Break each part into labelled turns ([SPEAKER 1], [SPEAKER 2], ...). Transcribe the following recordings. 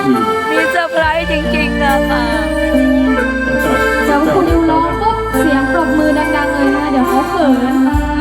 [SPEAKER 1] คืน
[SPEAKER 2] มีเซอร์ไพรส์จริงๆนะคะ
[SPEAKER 3] เดี๋ยวคุณนิวร้องปุ๊บเสียงปรบมือดังๆเลยนะเดี๋ยวเขาเขิน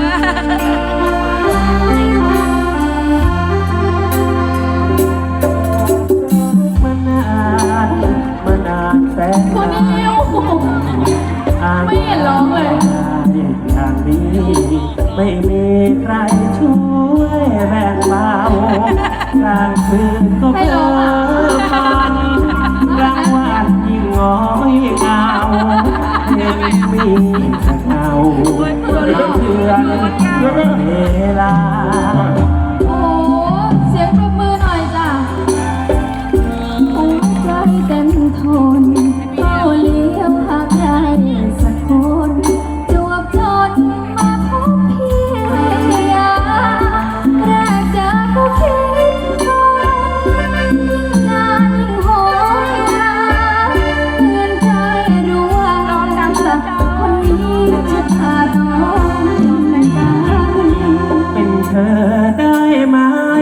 [SPEAKER 4] มานานแสน
[SPEAKER 3] คุณนิวไม่เห็นร้องเลย
[SPEAKER 4] อย่างนี้ไม่มีใครช่วยแบ่งเบากลางคืนก็เพ้อฝันกลางวันยิ่งง้อยเหงาเห็นมีแต่เงาเพื่อนเวลา
[SPEAKER 3] โอ้เสียงปรบมือหน่อยจ้ะหัวใจเต็มทนเฝ้าเลี้ยวหาใครสักคนจวบจนมาพบพี่แรกเจอก็คิดทนยิ่งนานยิ่งโหยหาเตือนใจรู้ว่าสักคนนี้จะพาต้องเป็นกัน
[SPEAKER 4] เป็นเธอได้ไหม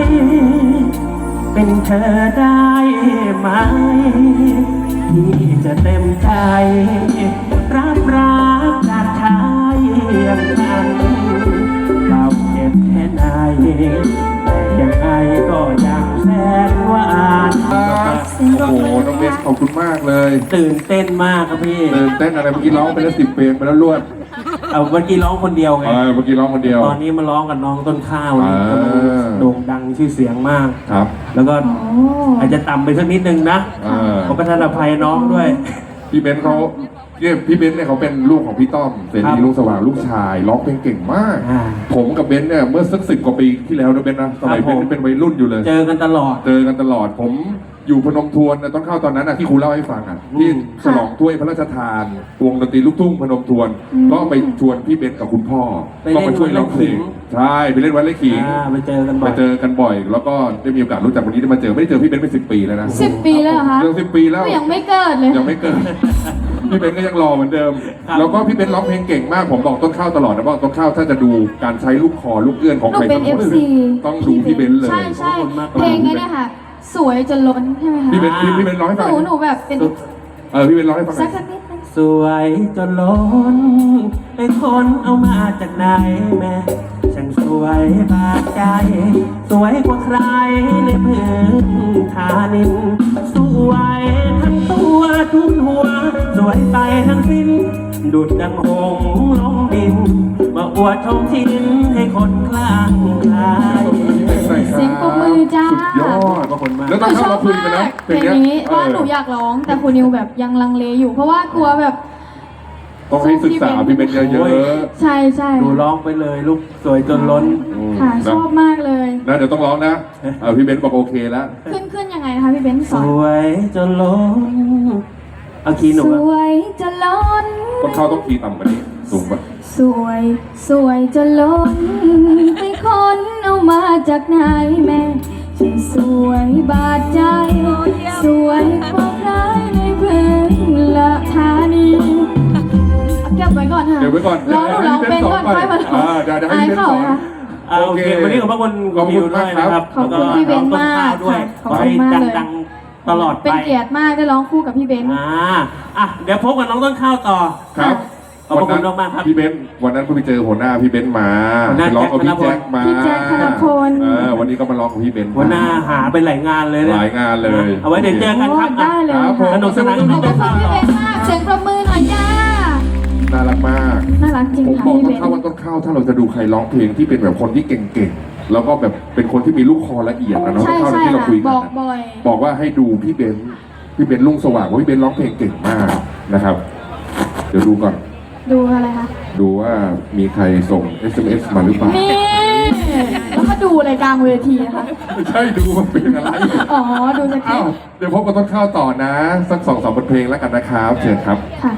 [SPEAKER 4] เป็นเธอได้ไหม ที่จะเต็มใจ รับรักจากชายอย่างฉันเราเจ็บแค่ไหนแต่ยังไงก็ยังแสนหวาน
[SPEAKER 1] โอ้โหน้องเบสขอบคุณมากเลย
[SPEAKER 4] ตื่นเต้นมากครับพี่
[SPEAKER 1] ตื่นเต้นอะไรเมื่อกี้ร้องไปแล้ว10 เพลงไปแล้วรวด
[SPEAKER 4] เอาเมื่อกี้ร้องคนเดียวไง
[SPEAKER 1] เมื่อกี้ร้องคนเดียว
[SPEAKER 4] ตอนนี้มาร้องกับน้องต้นข้าวนี่
[SPEAKER 1] อ่า
[SPEAKER 4] กำลังโด่งดังชื่อเสียงมาก
[SPEAKER 1] ครับ
[SPEAKER 4] แล้วก็
[SPEAKER 3] โอ้
[SPEAKER 4] อาจจะต่ำไปสักนิดนึงนะ ขอประทานอภัยน้องด้วย
[SPEAKER 1] พี่เบนซ์เขาเนี่ยพี่เบนซ์เนี่ยเขาเป็นลูกของพี่ต้อมเส
[SPEAKER 4] ครั
[SPEAKER 1] รี
[SPEAKER 4] บ
[SPEAKER 1] ลูกสว่างลูกชายร้องเพลงเก่งมาก
[SPEAKER 4] อ่า
[SPEAKER 1] ผมกับเบนซ์เนี่ยเมื่อสัก10 กว่าปีที่แล้วนะเบนซ์นะสมัย
[SPEAKER 4] ครับ
[SPEAKER 1] เบนซ์
[SPEAKER 4] ผม
[SPEAKER 1] เป็นวัยรุ่นอยู่เลย
[SPEAKER 4] เจอกันตลอด
[SPEAKER 1] เจอกันตลอดผมอยู่พนมทวนนะต้นข้าวตอนนั้นนะที่ครูเล่าให้ฟังอ่ะที่ฉลองถ้วยพระราชทานวงดนตรีลูกทุ่งพนมทวน ก็ไปชวนพี่เบนซ์กับคุณพ่อ
[SPEAKER 4] ไปเล่น
[SPEAKER 1] ก็มาช่วยร้องเพลง
[SPEAKER 4] วัดไร่ขิง
[SPEAKER 1] ใช่ไปเล่นวัดไร่ขิง
[SPEAKER 4] ไปเจอกันบ่
[SPEAKER 1] ไป
[SPEAKER 4] อย
[SPEAKER 1] เจอกันบ่อย แล้วก็ได้มีโอกาสรู้จักวันนี้ได้มาเจอไม่ได้เจอพี่เบนซ์เป็น10 ปีแล้วนะ
[SPEAKER 3] 10 ปีแล้วเหรอคะ
[SPEAKER 1] เจอ10 ปีแล้ว
[SPEAKER 3] ยังไม่เกิดเลย
[SPEAKER 1] ยังไม่เกิด พี่เบนซ์ก็ยังรอเหมือนเดิม แล้วก็พี่เบนซ์ร้องเพลงเก่งมากผมบอกต้นข้าวตลอดนะว่าต้นข้าวถ้าจะดูการใช้ลูกคอลูกเอื้อนของ
[SPEAKER 3] หนู
[SPEAKER 1] ใคร
[SPEAKER 3] เป็น
[SPEAKER 1] สักคน
[SPEAKER 3] FC
[SPEAKER 1] ต้องดูพี่เบนซ์เลย
[SPEAKER 3] ใช่ใช่เพลงนี้เนี่ยค่ะ สวยจนล้นใช่ไหมคะ
[SPEAKER 1] พี่เบนซ์พี่เบนซ์ร้องให้
[SPEAKER 3] ห
[SPEAKER 1] ฟัง
[SPEAKER 3] นูแบบเป็น
[SPEAKER 1] พี่เบนซ์ร้องให้ฟังห
[SPEAKER 3] สั
[SPEAKER 1] น่
[SPEAKER 3] ก
[SPEAKER 1] อย
[SPEAKER 3] นิดนึง
[SPEAKER 4] สวยจนล้นไอ้คนเอามาจากไหนแม่ช่างสวยบาดใจ สวยกว่าใครในพื้นฐานิน สวยทั้งตัวทุกหัว สวยไปทั้งสิ้น ดุจดังหงส์ลงดิน มาอวดชมชินให้คนคลั่งไคล้
[SPEAKER 3] เสียงปรบมือจ้า
[SPEAKER 1] สุดยอด
[SPEAKER 4] ขอบคุณมาก
[SPEAKER 1] แล้ว
[SPEAKER 3] ห
[SPEAKER 1] ต้
[SPEAKER 3] นู
[SPEAKER 1] น
[SPEAKER 3] ช
[SPEAKER 1] ข้าว
[SPEAKER 3] อบ
[SPEAKER 1] เราคุย
[SPEAKER 3] มา
[SPEAKER 1] กันแล้ว
[SPEAKER 3] กเพลงนี้ว่าหนูอยากร้องแต่คุณนิวแบบยังลังเลอยู่ เพราะว่ากลัวแบบ
[SPEAKER 1] ต้องให้ศึกษาพี่เบนซ์เยอะ
[SPEAKER 3] ใช่ใช่
[SPEAKER 4] ดูร้องไปเลยลูกสวยจนล้น
[SPEAKER 1] ๆ
[SPEAKER 3] ค่ะชอบมากเลย
[SPEAKER 1] นะเดี๋ยวต้องร้องนะพี่เบนซ์บอกโอเคแล้ว
[SPEAKER 3] ขึ้นยังไงนะคะพี่เบนซ์ส
[SPEAKER 4] ส
[SPEAKER 3] อน
[SPEAKER 4] วยจนล้นเอาคีย์หนู
[SPEAKER 3] ส
[SPEAKER 4] อะ
[SPEAKER 3] วยจะล้น
[SPEAKER 1] ต้นข้าวต้องคีย์ต่ำกว่านี้สูงกว่า
[SPEAKER 3] สวยจะล้นไปคนเอามาจากไหนแม่ฉันสวยบาดใจ สวยกว่าใครในพื้นละธานีเก็บไว้ก่อนค่ะ
[SPEAKER 1] เดี๋ยวไว้ก่อน
[SPEAKER 3] ร้องเป็นก่อนค่อยมาร้อง
[SPEAKER 1] เดี๋ยวให้พี่เบนซ์สอน
[SPEAKER 3] ค่ะ
[SPEAKER 4] โอเค วันนี้ขอบพระคุณ
[SPEAKER 1] ขอบคุณ
[SPEAKER 4] วิวด้วยนะครับ
[SPEAKER 3] ขอบคุณพี่เบนซ์มาก
[SPEAKER 4] แล้วก็น้องต้นข้าวด้วย
[SPEAKER 3] ค่ะ
[SPEAKER 4] ขอให้
[SPEAKER 3] ขอบคุณมากเลย
[SPEAKER 4] ดังๆตลอดไป
[SPEAKER 3] เป็นเกียรติมากได้ร้องคู่กับพี่เบนซ์
[SPEAKER 4] เดี๋ยวพบกับน้องต้นข้าวต่อ
[SPEAKER 1] ครับ
[SPEAKER 4] ขอบคุณมากๆครับ
[SPEAKER 1] พี่เบนซ์วันนั้นเพิ่งไปเจอหัวหน้าพี่เบนซ์มา
[SPEAKER 4] หัวหน้า
[SPEAKER 1] ไปร้องกับพี่แจ็คมา
[SPEAKER 3] พี่แจ็คธนพล
[SPEAKER 1] วันนี้ก็มาร้องกับพี่เบนซ์
[SPEAKER 4] หัวหน้าหาไปหลายงานเลยเนี่ย
[SPEAKER 1] หลายงานเลย
[SPEAKER 4] เอาไว้เดี๋ยวเจอกันครับ
[SPEAKER 3] โอ้ได้เลย
[SPEAKER 1] ครับผม
[SPEAKER 4] สนุกสนาน
[SPEAKER 3] ขอบคุณพี่เบนซ์มากเสียงประมือหน่อยจ้า
[SPEAKER 1] น่ารักมาก
[SPEAKER 3] น่ารักจริง
[SPEAKER 1] ผม
[SPEAKER 3] ค่ะ
[SPEAKER 1] บอก
[SPEAKER 3] พี่
[SPEAKER 1] ต้
[SPEAKER 3] เบ
[SPEAKER 1] น
[SPEAKER 3] น
[SPEAKER 1] ข้าว
[SPEAKER 3] ซ์
[SPEAKER 1] ว่าต้นข้าวถ้าเราจะดูใครร้องเพลงที่เป็นแบบคนที่เก่งๆ แล้วก็แบบเป็นคนที่มีลูกคอละเอียดนะเนาะ
[SPEAKER 3] ใช่
[SPEAKER 1] เท่า
[SPEAKER 3] ใช่
[SPEAKER 1] ที่เรา
[SPEAKER 3] ค่ะ
[SPEAKER 1] คุยกัน
[SPEAKER 3] บอก
[SPEAKER 1] นะ
[SPEAKER 3] บ่อย
[SPEAKER 1] บอกว่าให้ดูพี่เบนซ์ลุงสว่างว่าพี่เบนซ์ร้องเพลงเก่งมากนะครับ เดี๋ยวดูก่อน
[SPEAKER 3] ดูอะไรคะ
[SPEAKER 1] ดูว่ามีใครส่ง SMS มาหรือเปล่า
[SPEAKER 3] นี่แล้วมาดูอะไรกลางเวทีนะคะ
[SPEAKER 1] ไม่ใช่ดูมันเป็นอะไร
[SPEAKER 3] อ๋อดูสคริ
[SPEAKER 1] อ้า
[SPEAKER 3] ป
[SPEAKER 1] ว
[SPEAKER 3] ต์
[SPEAKER 1] เดี๋ยวพบกับต้นข้าวต่อนะ สัก2-3 บทเพลงแล้วกันนะครับ เชิญครับ
[SPEAKER 3] ค่ะ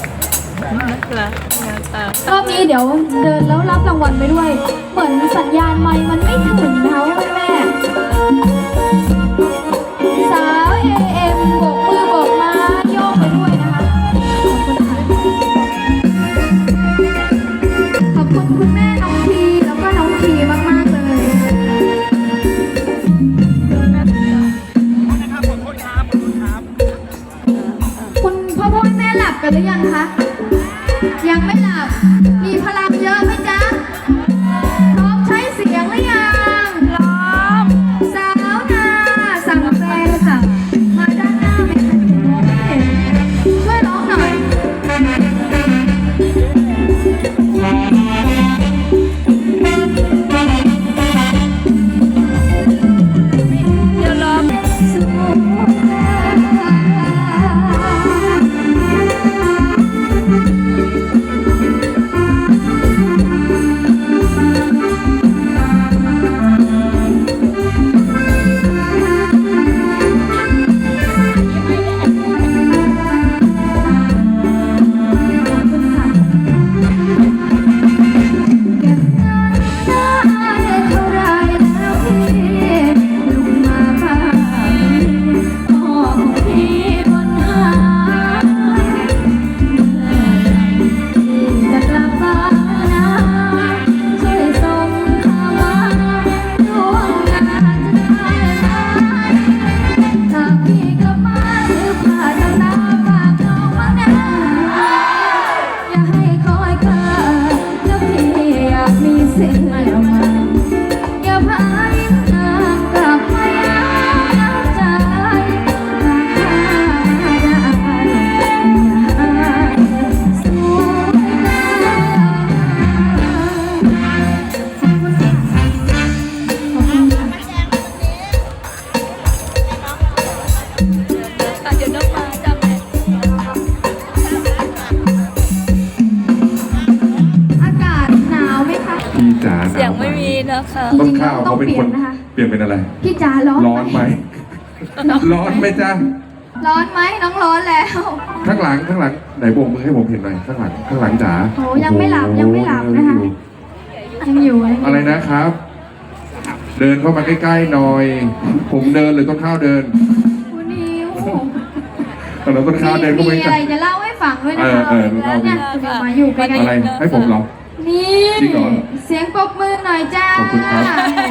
[SPEAKER 3] รอบนี้เดี๋ยวเดินแล้วรับรางวัลไปด้วย เหมือนสัญญาณไมค์มันไม่ถึงนะคะแม่สาว AM โบกมือโบกมาโยกไปด้วยนะคะขอบคุณคุณแม่น้องพีแล้วก็น้องพีมากๆเลย
[SPEAKER 2] ขอโทษครับ
[SPEAKER 3] กันหรือยังคะ ยังไม่หลับ มีพลังเยอะไหมจ๊ะ พร้อมใช้เสียงหรือยัง
[SPEAKER 2] พร้อม
[SPEAKER 3] สาวนาสั่งแฟนค่ะ มาด้านหน้าไหมคะมองไม่เห็นช่วยร้องหน่อย
[SPEAKER 2] เดี๋ยวรอ
[SPEAKER 3] เท่าไรแล้วพี่ลุกมาบ้างพ่อของพี่บนหาจะกลับบ้านนะช่วยส่งข่าวมาดวงงานจะได้ไหมถ้าพี่กลับมาซื้อผ้าทำหน้าฝากน้องมานะอย่าให้คอยเกินแล้วพี่อยากมีสิ่งใหม่มาอย่าพายิ้มนางกลับมาย้ำใจหากได้สวยงามขอบคุณค่ะขอบคุณค่ะ
[SPEAKER 2] เดี๋ยวน้องมาจำแม่
[SPEAKER 3] อากาศหนาวไหมคะ
[SPEAKER 1] พี่จ๋าหนาว
[SPEAKER 2] เสียงไม่มีนะคะ
[SPEAKER 1] ต้นข้าวเขาเป็นคน
[SPEAKER 3] จริงๆแล้วต้องเปลี่ยนนะคะ
[SPEAKER 1] เปลี่ยนเป็นอะไร
[SPEAKER 3] พี่จ๋าร้อน
[SPEAKER 1] ร้อนไหม ร้อนไหมจ๊ะ
[SPEAKER 3] ร้อนไหมน้องร้อนแล้ว
[SPEAKER 1] ข้างหลังไหนโบกมือให้ผมเห็นหน่อยข้างหลังจ๋า
[SPEAKER 3] โอ้ยังไม่หลับยังไม่หลับนะคะ ยังอยู่
[SPEAKER 1] อะไรนะครับ เดินเข้ามาใกล้ๆหน่อย ผมเดินหรือต้นข้าวเดิน
[SPEAKER 3] คุณนิว
[SPEAKER 1] แล้วต้นข้าวเดินเข้าไป
[SPEAKER 3] มี
[SPEAKER 1] ใก
[SPEAKER 3] อะไร
[SPEAKER 1] ล้
[SPEAKER 3] จะเล่าให้ฟังด้วยนะคะ
[SPEAKER 1] เล่าดิ
[SPEAKER 3] เนี่ยเดี๋ยวมาอยู่ใกล้
[SPEAKER 1] อะไรให้ผมเหรอ
[SPEAKER 3] ๆนี่
[SPEAKER 1] จริงเหรอ
[SPEAKER 3] เสียงปรบมือหน่อยจ้า
[SPEAKER 1] ขอบคุณครับ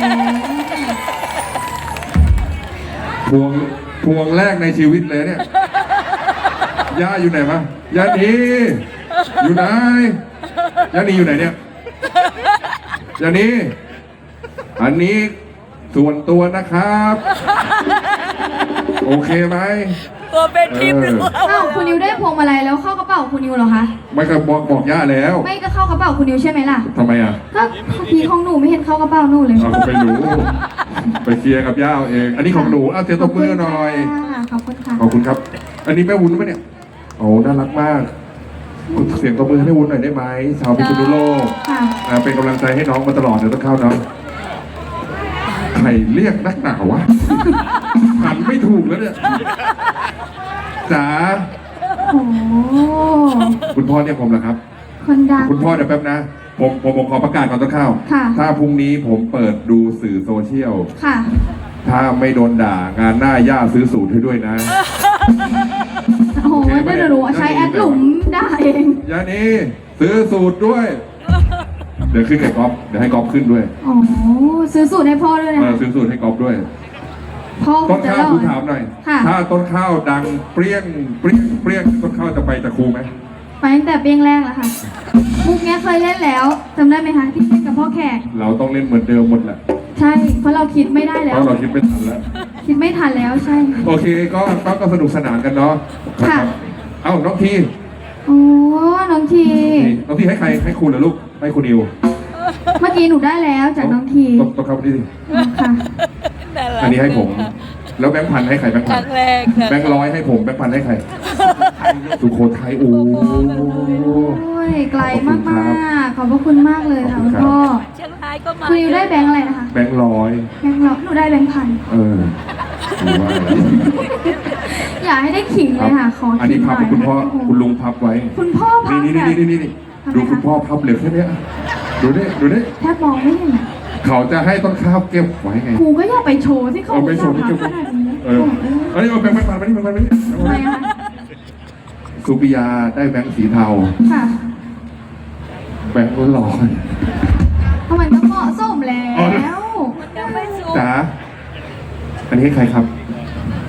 [SPEAKER 1] พวงแรกในชีวิตเลยเนี่ย ย่าอยู่ไหนมะย่านีอยู่ไหนย่านีอยู่ไหนเนี่ยย่านีอันนี้ส่วนตัวนะครับ โอเคไหม
[SPEAKER 2] ตัวเป็นทิพย์หรือเปล่า
[SPEAKER 3] อ้าวคุณนิวได้พวงมาลัยแล้วเข้ากระเป๋าคุณนิวเหรอคะ
[SPEAKER 1] ไม่ก็บอกย่าแล้ว
[SPEAKER 3] ไม่ก็เข้ากระเป๋าคุณนิวใช่ไหมล่ะ
[SPEAKER 1] ทำไมอ่ะ
[SPEAKER 3] ก็พี่ของหนูไม่เห็นเข้ากระเป๋าหนูเลย
[SPEAKER 1] เอาไปรู้ไปเคลียร์กับย่าเอาเอง อันนี้ของหนูเอาเสียงตบมือหน่อย
[SPEAKER 3] ขอบคุณค่ะ
[SPEAKER 1] ขอบคุณครับ อันนี้แม่วุ้นไหมเนี่ย โอ้ น่ารักมาก เสียงตบมือให้แม่วุ้นหน่อยได้ไหมชาวพิษณุโลก
[SPEAKER 3] ค่ะ
[SPEAKER 1] เป็นกำลังใจให้น้องมาตลอดเดี๋ยวต้องเข้าน้องใครเรียกนักหนาวะ หันไม่ถูกแล้วเนี่ย จ๋า
[SPEAKER 3] โอ้โห
[SPEAKER 1] คุณพ่อเนี่ยผมเหรอครับ
[SPEAKER 3] คนดัง
[SPEAKER 1] คุณพ่อเดี๋ยวแป๊บนะ ผมขอประกาศก่อนต้องเข้า
[SPEAKER 3] ค่ะ
[SPEAKER 1] ถ้าพรุ่งนี้ผมเปิดดูสื่อโซเชียล
[SPEAKER 3] ค่ะ
[SPEAKER 1] ถ้าไม่โดนด่างานหน้าย่าซื้อสูตรให้ด้วยนะ
[SPEAKER 3] โอ้โหไม่ได้รู้ใช้แอดหลุมได้เอง
[SPEAKER 1] ย่านี่ซื้อสูตรด้วย เดี๋ยวขึ้นกับก๊อฟเดี๋ยวให้ก๊อฟขึ้นด้วย
[SPEAKER 3] อ๋อซื้อสูตรให้พ่อด้วยนะ
[SPEAKER 1] ซื้อสูตรให้ก๊อฟด้วย
[SPEAKER 3] พ่อ
[SPEAKER 1] ต้น
[SPEAKER 3] จะ
[SPEAKER 1] ข้าว
[SPEAKER 3] รอ
[SPEAKER 1] คุณ
[SPEAKER 3] ด
[SPEAKER 1] ถามหน่อย
[SPEAKER 3] ค่ะ
[SPEAKER 1] ถ้าต้นข้าวดังเปรี้ยงต้นข้าวจะไปตะครูไหม
[SPEAKER 3] ไปตั้งแต่เปียงแรกแล้วค่ะ มุกเนี้ยเคยเล่นแล้วจำได้ไหมคะที่เล่นกับพ่อแขก
[SPEAKER 1] เราต้องเล่นเหมือนเดิมหมดแหละ
[SPEAKER 3] ใช่ เพราะเราคิดไม่ได้
[SPEAKER 1] เพ
[SPEAKER 3] แล้ว
[SPEAKER 1] ราะเราคิดไม่ทันแล้ว
[SPEAKER 3] คิดไม่ทันแล้วใช่
[SPEAKER 1] โอเคก็สนุกสนานกันเนาะ
[SPEAKER 3] ค่ะ
[SPEAKER 1] รับเอ้าน้องที
[SPEAKER 3] โอ้น้องที
[SPEAKER 1] น้องทีให้ใครให้คุณเหรอลูกให้คุณนิว
[SPEAKER 3] เมื่อกี้หนูได้แล้วจากน้องที
[SPEAKER 1] ต้องเข้าไปที่สิ
[SPEAKER 3] ค่ะ
[SPEAKER 2] น่ารัก
[SPEAKER 1] อันนี้ให้ผม แล้วแบงค์พันให้ใครแบงค์
[SPEAKER 2] ค
[SPEAKER 1] พัน
[SPEAKER 2] รั้งแรกนะ
[SPEAKER 1] แบงค์ร้อยให้ผมแบงค์พันให้ใครสุโขทัยโอ้
[SPEAKER 3] โอ้ยไกลมากๆขอบพระคุณมากเลยค่ะคุณพ่อ
[SPEAKER 2] เชียงรายก็มา
[SPEAKER 3] คุณนิวได้แบงค์อะไรนะคะ
[SPEAKER 1] แบงค์ร้อย
[SPEAKER 3] แบงค์ร้อยหนูได้แบงค์พัน
[SPEAKER 1] ดูว่าแล้ว
[SPEAKER 3] อย่าให้ได้ขิงเลยค่ะ ขอ
[SPEAKER 1] อัน
[SPEAKER 3] ขิ
[SPEAKER 1] นี้
[SPEAKER 3] งห
[SPEAKER 1] พับ
[SPEAKER 3] น่อย
[SPEAKER 1] คุณพ่อคุณลุงพับไว้
[SPEAKER 3] คุณพ่อพับ
[SPEAKER 1] นี่
[SPEAKER 3] แบบ
[SPEAKER 1] นี่ดูคุณพ่อพับเหลือแค่เนี้ยดูดิ
[SPEAKER 3] แทบมองไม่เห็น
[SPEAKER 1] เขาจะให้ต้นข้าวเก็บไว้ไง
[SPEAKER 3] ครูก็อย่าไปโชว์ที่เขา
[SPEAKER 1] เอาไปโชว์ที่
[SPEAKER 3] พั
[SPEAKER 1] เก็
[SPEAKER 3] บบ ขนาดนี้
[SPEAKER 1] อันนี้เอาแบงค์พันมานี่มานี่
[SPEAKER 3] ทำไมอะคะ
[SPEAKER 1] สุปิยาได้แบงค์สีเทา
[SPEAKER 3] ค่ะ
[SPEAKER 1] แบงค์ร้อย
[SPEAKER 3] เพราะมันก็เหมาะสมแล้ว
[SPEAKER 2] ยังไม่สูง
[SPEAKER 1] จ๋าอันนี้ให้ใครครับ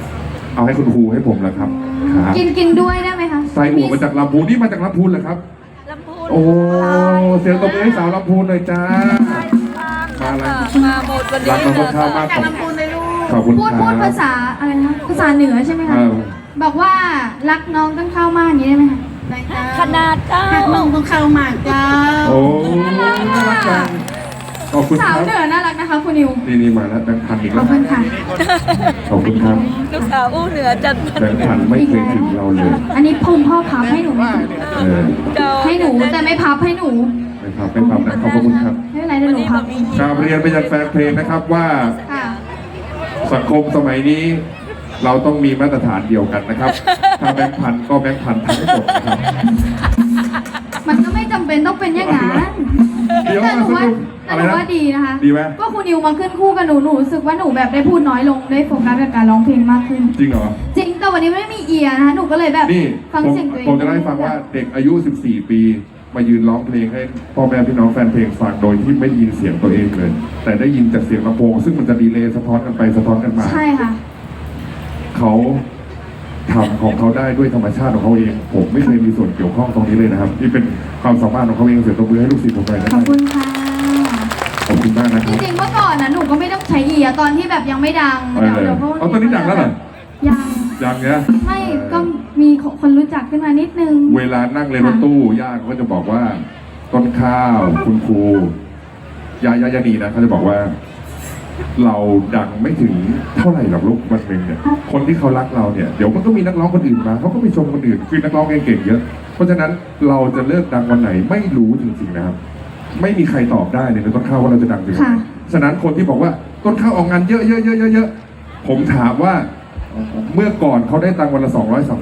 [SPEAKER 1] เอาให้คุณครูให้ผมแล้วครับครับ
[SPEAKER 3] กินด้วยได้ไหมคะ
[SPEAKER 1] ไส้อั่วมาจากลำพูนนี่มาจากลำพูนเหรอครับ
[SPEAKER 2] ลำพูน
[SPEAKER 1] โอ้เสียงตบมือให้สาวลำพูนหน่อยจ้า มาเลย
[SPEAKER 2] มาหมดวัน
[SPEAKER 1] รั
[SPEAKER 2] นี้
[SPEAKER 1] กน้อง
[SPEAKER 2] เล
[SPEAKER 1] ต้น
[SPEAKER 2] ย
[SPEAKER 1] ข้าวมากขอบคุณ
[SPEAKER 3] พูด
[SPEAKER 1] ครับ
[SPEAKER 3] ภาษาอะไรนะภาษาเหนือใช่ไหมคะ
[SPEAKER 1] เออ
[SPEAKER 3] บอกว่ารักน้องต้นข้าวมากอย่างนี้ได้ไหมคะ
[SPEAKER 2] ขนาดเจ้า
[SPEAKER 5] มึงต้องเข้ามาเจ้า
[SPEAKER 1] โอ้น่ารักจังขอบคุณค
[SPEAKER 3] สาว
[SPEAKER 1] รับ
[SPEAKER 3] เหนือน่ารักนะคะคุณนิว
[SPEAKER 1] นี่มาแล้วแบงค์พันอีก
[SPEAKER 3] ข
[SPEAKER 1] แล้
[SPEAKER 3] อบ
[SPEAKER 1] ว
[SPEAKER 3] คุณค่ะ
[SPEAKER 1] ขอบคุณครับ
[SPEAKER 2] ลูกสาวอู้เหนือจันทร์
[SPEAKER 1] แบงค์พันไม่เคยถึงเราเลย
[SPEAKER 3] อันนี้พุ่มพ่อพับให้หนู
[SPEAKER 1] เออ
[SPEAKER 2] เจ้า
[SPEAKER 3] ให้หนูแต่ไม่พับให้หนู
[SPEAKER 1] ไม่พับนะขอบคุณครับ
[SPEAKER 3] ไม่เป็นไรเดี๋ยวหนูพับเอง
[SPEAKER 1] กราบเรียนไปยังแฟนเพลงนะครับว่า
[SPEAKER 3] ค่ะ
[SPEAKER 1] สังคมสมัยนี้ เราต้องมีมาตรฐานเดียวกันนะครับ ถ้าแบงค์พันก็แบงค์พันทั้งหมดนะครับ
[SPEAKER 3] มันก็ไม่จำเป็นต้องเป็นอย่างนั้น
[SPEAKER 1] เดี๋ยว
[SPEAKER 3] แต่หนูว่า
[SPEAKER 1] อะไรนะ
[SPEAKER 3] แต่หนูว่าดีนะคะ
[SPEAKER 1] ดีไหม
[SPEAKER 3] ก็คุณนิวมาขึ้นคู่กับหนูหนูรู้สึกว่าหนูแบบได้พูดน้อยลงได้โฟกัสกับการร้องเพลงมากขึ้น
[SPEAKER 1] จริงเหรอ
[SPEAKER 3] จริงแต่วันนี้ไม่มีเอียร์นะคะหนูก็เลยแบบ
[SPEAKER 1] นี่
[SPEAKER 3] ฟัง
[SPEAKER 1] ผม
[SPEAKER 3] เสียงตัวเอง
[SPEAKER 1] ผมจะเล่าให้ฟังว่าเด็กอายุ 14 ปี มายืนร้องเพลงให้พ่อแม่พี่น้องแฟนเพลงฟังโดยที่ไม่ได้ยินเสียงตัวเองเลย แต่ได้ยินจากเสียงลำโพงซึ่งมันจะดีเลย์สะท้อนกันไปสะท้อนกันมา
[SPEAKER 3] ใช่ค่ะ
[SPEAKER 1] เขาทำของเขาได้ด้วยธรรมชาติของเขาเอง ผมไม่เคยมีส่วนเกี่ยวข้องตรงนี้เลยนะครับนี่เป็นความสามารถของเขาเองเสียตัวมือให้ลูกศิษย์ผมไปนะ
[SPEAKER 3] ขอบคุณค่ะ
[SPEAKER 1] ขอบคุณมากนะค
[SPEAKER 3] จ
[SPEAKER 1] รับ
[SPEAKER 3] ริงๆเมื่อก่อนนะหนูก็ไม่ต้องใช้เอียร์ตอนที่แบบยังไม่ดัง
[SPEAKER 1] เออ
[SPEAKER 3] พวก
[SPEAKER 1] เอาตอนนี้ดังแล้วเหรอ
[SPEAKER 3] ยัง
[SPEAKER 1] อย่างเงี้ย
[SPEAKER 3] ไม่ก็มีคนรู้จักขึ้นมานิดนึง
[SPEAKER 1] เวลานั่งเลยรถตู้ย่าเขาก็จะบอกว่าต้นข้าวคุณครูยานีนะเขาจะบอกว่า เราดังไม่ถึงเท่าไหร่หรอกลูกวันหนึ่งเนี่ยคนที่เขารักเราเนี่ยเดี๋ยวมันก็มีนักร้องคนอื่นมาเขาก็ไปชมคนอื่นคือนักร้องเก่งๆเยอะเพราะฉะนั้นเราจะเลิกดังวันไหนไม่รู้จริงๆนะครับ ไม่มีใครตอบได้เลยในต้นข้าวว่าเราจะดังถึงวันไหน
[SPEAKER 3] ค่ะ
[SPEAKER 1] ฉะนั้นคนที่บอกว่าต้นข้าวออกงานเยอะๆๆๆผมถามว่าเมื่อก่อนเขาได้ตังค์วันละ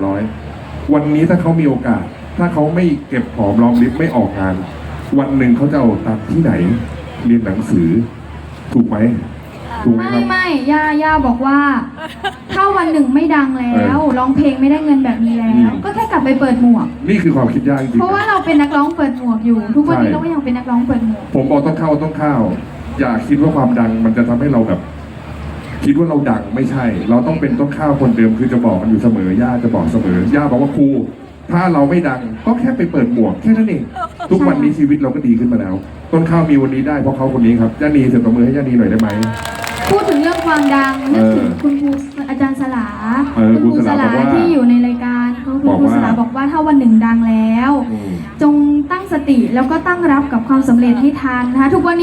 [SPEAKER 1] 200-300วันนี้ถ้าเขามีโอกาส ถ้าเขาไม่เก็บหอมรอมริบไม่ออกงาน วันหนึ่งเขาจะเอาตังค์ที่ไหน เรียนหนังสือ ถูกไหมถูกไหมครับ
[SPEAKER 3] ไม่ย่าบอกว่า ถ้าวันหนึ่งไม่ดังแล้วร้องเพลงไม่ได้เงินแบบนี้แล้ว ก็แค่กลับไปเปิดหมวก
[SPEAKER 1] นี่คือความคิดยากจริง
[SPEAKER 3] เพราะว่า
[SPEAKER 1] ๆ
[SPEAKER 3] เราเป็นนักร้องเปิดหมวกอยู่ ทุกวันนี้เราก็ยังเป็นนักร้องเปิดหมวก
[SPEAKER 1] ผมบอกต้นข้าวอย่าคิดว่าความดังมันจะทำให้เราแบบ คิดว่าเราดังไม่ใช่ เราต้องเป็นต้นข้าวคนเดิมคือจะบอกมันอยู่เสมอย่าจะบอกเสมอย่าบอกว่าครูถ้าเราไม่ดังก็แค่ไปเปิดหมวกแค่นั้นเองทุกวันนี้ชีวิตเราก็ดีขึ้นมาแล้ว ต้นข้าวมีวันนี้ได้เพราะเขาคนนี้ครับย่านีเสียงตบมือให้ย่านีหน่อยได้ไหม
[SPEAKER 3] พูดถึงเรื่องความดังนึกถึงคุณครูอาจารย์สลา
[SPEAKER 1] ครูสลาบอกว่า
[SPEAKER 3] ที่อยู่ในรายการเขาคือ
[SPEAKER 1] บอก
[SPEAKER 3] ครู
[SPEAKER 1] ว่า
[SPEAKER 3] สลาบอกว่าถ้าวันหนึ่งดังแล้ว
[SPEAKER 1] อืม
[SPEAKER 3] จงตั้งสติแล้วก็ตั้งรับกับความสำเร็จให้ทันนะคะทุกวันนี้